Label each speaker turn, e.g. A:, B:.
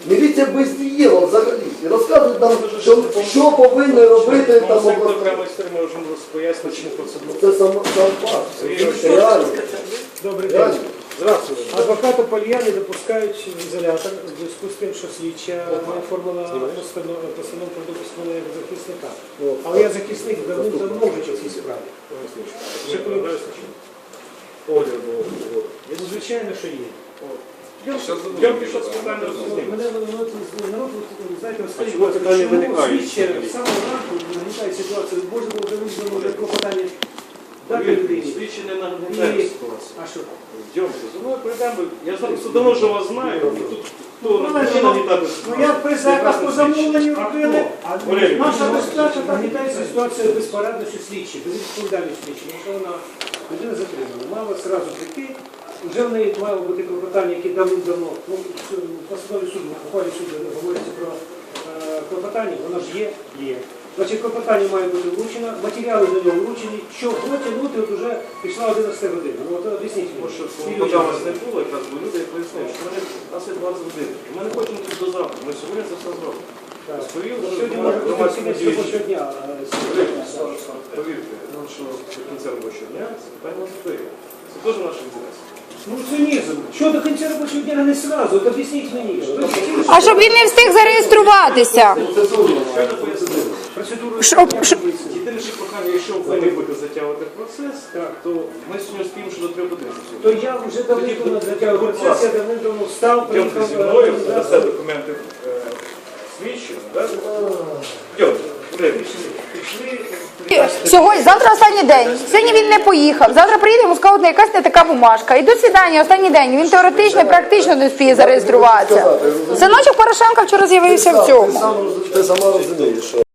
A: Міліція бездієва взагалі. І розказують нам, що повинні робити там
B: Сектор прямо ми вже пояснити, чому процедура.
A: Це сам факт. Це реально.
C: Добрий день. Здравствуйте. Адвоката Польяни допускають в ізолятор в зв'язку з тим, що слідча не оформила постанову про допускання як захисника. Але я захисник давним-давно вже в цій справі. Звичайно, що є.
B: Я пішов з питання розуміння.
C: Мене народ, знаєте, розкажіть, чому слідча з самого ранку нагнітає ситуацію, може було вже визнано вже клопотання дати людині.
B: Слідчі не нагнетає ситуацію.
C: А що?
B: Йдемте, за мною прийдемо. Я давно вже вас знаю. І тут
C: Ну як при заказ по замовленню робили, а наша безпека нагнітається ситуація безпорадності слідчі, безвідповідальності слідчі. Якщо вона людина затримана, мала одразу прийти, вже в неї мало бути клопотання, які давно, ну, в постанові суду, в ухвалі суду говориться про клопотання, воно ж є. Значить, клопотання має бути вручено, матеріали до нього вручені, що потягнути, от вже пішла 11 година. Ну, от об'ясніть мені.
B: Тому що поки у вас не було, якраз бо люди пояснили, що у нас є 20 годин. Ми не хочемо тут до завтра, ми сьогодні це все зробимо.
C: Сьогодні може бути всі робочого дня.
B: Повірте, що до кінця робочого дня це питання не стоїть. Це теж наш інтерес.
C: Ну, цинізм. Що до кінця робочого дня не сразу? От об'ясніть мені.
D: А щоб він не встиг зареєструватися.
B: Єдине, що прохання, якщо ви не будете затягувати процес, то ми сьогодні спіємо, що до 3 годин.
C: То я вже давно затягую процес, я давно встав,
B: Йдемте зі мною, дасте документи слідчим, так? Йдемте,
D: Сьогодні, завтра останній день. Сьогодні він не поїхав. Завтра приїде, йому скажуть, якась не така бумажка. І до свідання, останній день. Він теоретично, практично не встиг зареєструватися. Синочок Порошенка вчора з'явився в цьому.
A: Ти сама розумієш, що